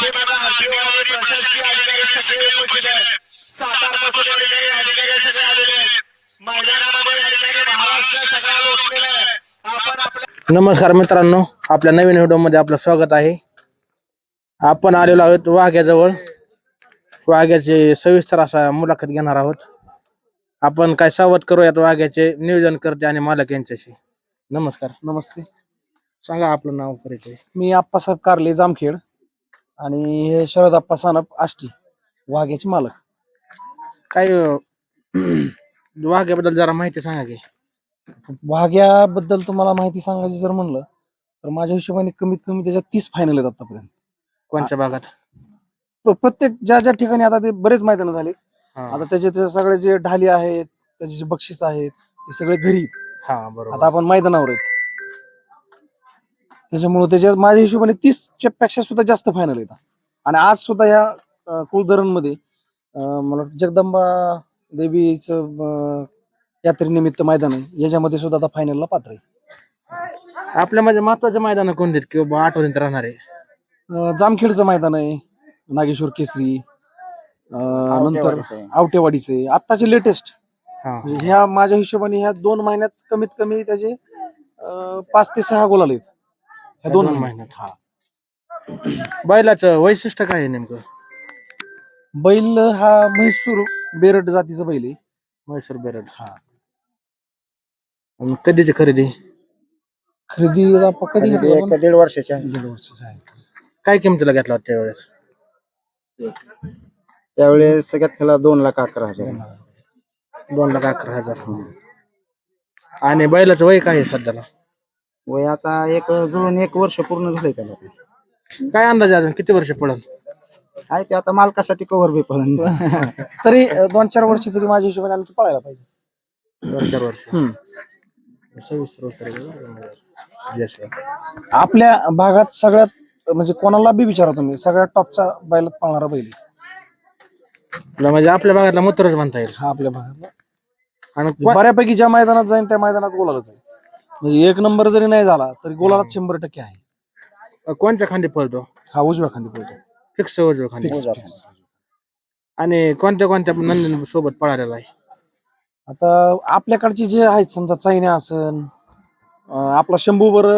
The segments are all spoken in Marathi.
बघा आरटीओ आणि प्रशासकीय अधिकारी सगळे उपस्थित आहेत. सातारपासून या ठिकाणी अधिकारी सगळे आलेले आहेत. मैदानामध्ये या ठिकाणी महाराष्ट्र सगळा लोटलेला आहे. आपण आपल्या नमस्कार मित्रांनो, आपल्या नवीन व्हिडिओमध्ये आपलं स्वागत आहे. आपण आलेलो आहोत वाघ्याजवळ. वाघ्याचे सविस्तर असा मुलाखत घेणार आहोत. आपण काय संवाद करूयात वाघ्याचे नियोजन करते आणि मालक यांच्याशी. नमस्कार, नमस्ते. सांगा आपलं नाव परिचय. मी आप्पासाहेब कारले जामखेड आणि हे शरद आप्पा सानप आष्टी वाघ्याचे मालक. काय वाघ्याबद्दल जरा माहिती सांगा की. वाघ्याबद्दल तुम्हाला माहिती सांगायची जर म्हणलं तर माझ्या हिशोबाने कमीत कमी त्याच्यात 30 फायनल आहेत आतापर्यंत. कोणत्या भागात? प्रत्येक ज्या ज्या ठिकाणी आता ते बरेच मैदान झाले. हा. आता त्याचे सगळे जे ढाली आहेत, त्याचे जे बक्षीस आहेत ते सगळे घरी आहेत. हा बरोबर. आता आपण मैदानावर आहेत, त्याच्यामुळे त्याच्यात माझ्या हिशोबाने 30च्या पेक्षा सुद्धा जास्त फायनल येतात. आणि आज सुद्धा या कुलधरण मध्ये मला जगदंबा देवीचं यात्रेनिमित्त मैदान आहे, याच्यामध्ये सुद्धा आता फायनलला पात्र आहे. आपल्या म्हणजे महत्वाचे मैदान कोणते आहेत किंवा आठवणीत राहणार आहे? जामखेडचं मैदान आहे, नागेश्वर केसरी, नंतर आवटेवाडीचं आहे, आत्ताचे लेटेस्ट. हा. ह्या माझ्या हिशोबाने ह्या 2 महिन्यात कमीत कमी त्याचे 5 ते 6 गोल आलेत ह्या 2 महिन्यात. हा. बैलाचं वैशिष्ट्य काय आहे नेमकं? बैल हा म्हैसूर बेरड जातीचा बैल आहे. म्हैसूर बेरड. हा. आणि कधीची खरेदी? खरेदी कधी घेतली आपण? 1-1.5 वर्षाची आहे. 1.5 वर्षाची आहे. काय किमतीला घेतला होता त्यावेळेस? त्यावेळेस सगळ्यात त्याला 2,11,000. 2,11,000. आणि बैलाचं वय काय आहे सध्याला? वय आता जुळून 1 वर्ष पूर्ण झालंय त्याला. काय अंदाज आहे अजून किती वर्ष पडल? आहे ते आता मालकासाठी कव्हर बी पडून. तरी 2-4 वर्ष तरी माझ्या हिशोबाने आणखी पळायला पाहिजे. 2-4 वर्ष. हम्म. 26 वर्ष. Yes, sir. आपल्या भागात सगळ्यात म्हणजे कोणाला बी विचारा तुम्ही, सगळ्यात टॉपचा बैलात पळणारा बैल आहे. तुला म्हणजे आपल्या भागातला मुत्रच म्हणता येईल. हा आपल्या भागातला. आणि बऱ्यापैकी ज्या मैदानात जाईन त्या मैदानात गोलालाच आहे. म्हणजे 1 नंबर जरी नाही झाला तरी गोलालाच 100% आहे. कोणत्या खांदी पळतो? हा उजव्या खांदी पळतो. फिक्स उजव्या खांदी. Fix. आणि कोणत्या कोणत्या नंदन सोबत पळालेला आहे? आता आपल्याकडचे जे आहेत समजा चायना असन, आपला शंभू बर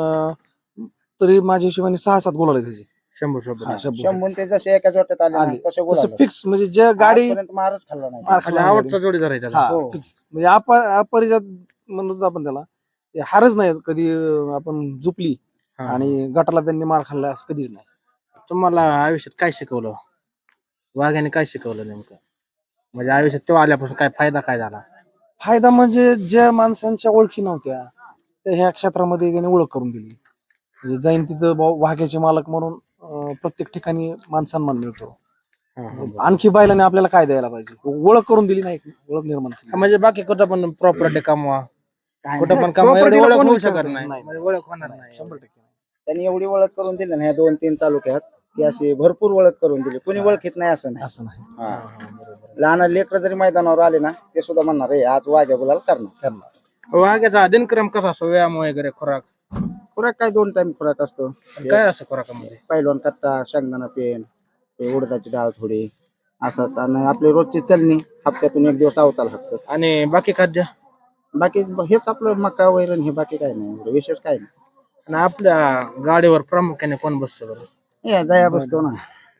तरी माझ्या हिशोबाने 6-7 गोल आले त्याचे. 100 सोबत. हा, शंभू. शंभून ते जसे एका जोट्यात आले आले. तसे गोल तसं फिक्स म्हणजे जे गाडी मारच खाल्ला नाही. मार खाल्ला नाही आवडता गाडी. जोडीदार आहे त्याला. हा हो. फिक्स म्हणजे अपरिजात म्हणतो आपण त्याला. ते हारच नाही कधी आपण झुपली हा. आणि गटाला त्यांनी मार खाल्ला असं कधीच नाही. तुम्हाला आयुष्यात काय शिकवलं? वाघ्याने काय शिकवलं नेमकं? म्हणजे आयुष्यात तो आल्यापासून काय फायदा काय झाला? फायदा म्हणजे ज्या माणसांच्या ओळखी नव्हत्या त्या ह्या क्षेत्रामध्ये त्याने ओळख करून दिली. म्हणजे जाईन तिथं वाघ्याचे मालक म्हणून प्रत्येक ठिकाणी मानसन्मान मिळतो. हा, हा, बरं. आणखी बैलाने आपल्याला काय द्यायला पाहिजे? ओळख करून दिली नाही, ओळख निर्माण केली. म्हणजे बाकी कुठं पण प्रॉपर्टी कमवा, कुठं पण नाही, कमवा, एवढी property ला ओळख कोण होऊ विचारत शकत नाही. नाही. म्हणजे ओळख होणार नाही. 100% नाही. त्यांनी एवढी ओळख करून दिली ना ह्या 2-3 तालुक्यात की अशी भरपूर ओळख करून दिली. कोणी ओळखीत नाही असं नाही. असं नाही. हा. लहान लेकर जरी मैदानावर आले ना ते सुद्धा म्हणणार आहे आज वाघ्या गुलाल करणार. वाघ्याचा दिनक्रम कसा असतो? व्यायाम वगैरे, खुराक खुराक काय 2 टाइम खुराक असतो. काय असं खुराकामध्ये? पैलवान कट्टा, शेंगदाणा पेंड, ते उडदाची डाळ थोडी असाच. आणि आपली रोजची चलनी हप्त्यातून 1 दिवस अवताल हाकतात. आणि बाकी खाद्य? बाकी हेच आपलं मका वैरण हे बाकी काय नाही एवढं विशेष काय नाही. आणि आपल्या गाडीवर प्रामुख्याने कोण बसतं बरं? हे दया बसतो ना.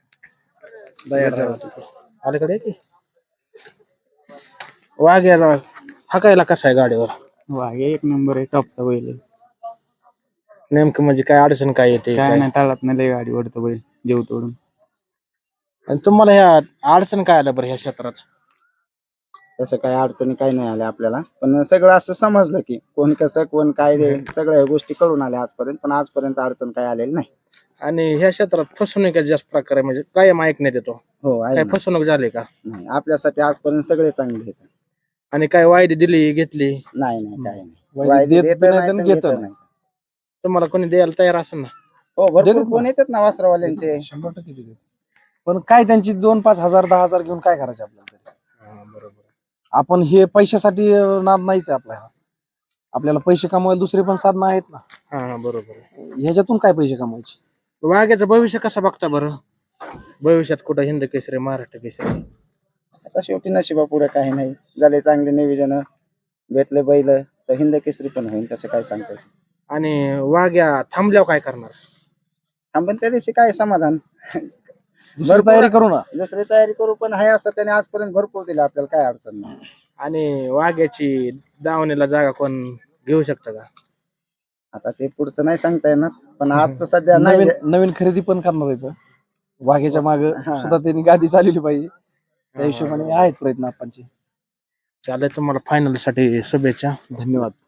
अलीकडे की वाघ्याला हाकायला कसा आहे गाडीवर? वाघे 1 नंबर आहे, टॉपचा बैल आहे. नेमकं म्हणजे काय अडचण काय येते? काय नाही, ताळात नाही लय गाडी ओढतो बैल जीव तोडून. आणि तुम्हाला ह्या अडचण काय आलं बरं ह्या क्षेत्रात? तसं काय अडचणी काही नाही आल्या आपल्याला, पण सगळं असं समजलं की कोण कसं कोण काय रे सगळ्या गोष्टी कळून आल्या आजपर्यंत. पण आजपर्यंत अडचण काय आलेली नाही. आणि ह्या क्षेत्रात फसवणूक जास्त प्रकार आहे, म्हणजे कायम ऐकण्यात येतो. हो आहे काय ना. फसवणूक झाली का? नाही आपल्यासाठी आजपर्यंत सगळे चांगले आहेत. आणि काय वायदी दिली घेतली? नाही नाही काय नाही. वायदे वायदे देत देत बी नाही नाही आणि तर घेत घेत नाही. नाही. तुम्हाला कोणी द्यायला तयार असेल ना? हो भरपूर देतात फोन येतात ना वासरावाल्यांचे. 100% देतात. पण काय त्यांची 2-5 हजार 10,000 घेऊन काय करायचे आपल्याला तरी? बरोबर. आपण हे पैशासाठी नाद नाहीच आहे आपल्याला. आपल्याला पैसे कमवायला दुसरे पण साधनं आहेत ना. हा बरोबर. ह्याच्यातून काय पैसे कमवायचे? वाघ्याचं भविष्य कसं बघता बरं? भविष्यात कुठं हिंद केसरी महाराष्ट्र केसरी? आता शेवटी नशिबा पुढे काही नाही, झाले चांगले नियोजन, भेटले बैल तर हिंद केसरी पण होईल, तसं काय सांगतो. आणि वाघ्या थांबल्यावर काय करणार? आपण त्या दिवशी काय समाधान, दुसरी तयारी करू ना. दुसरी तयारी करू, पण आहे असं त्याने आजपर्यंत भरपूर दिलं, आपल्याला काय अडचण नाही. आणि वाघ्याची दावणीला जागा कोण घेऊ शकतं का? आता ते पुढचं नाही सांगता येणार, पण आजचं सध्या नाही. नवीन नवीन खरेदी पण करणार आहेत वाघेच्या माग हा. सुद्धा त्यांनी गादी चालवली पाहिजे, त्या हिशोबाने आहेत प्रयत्न आपणचे. चालेल, तुम्हाला फायनल साठी शुभेच्छा. धन्यवाद.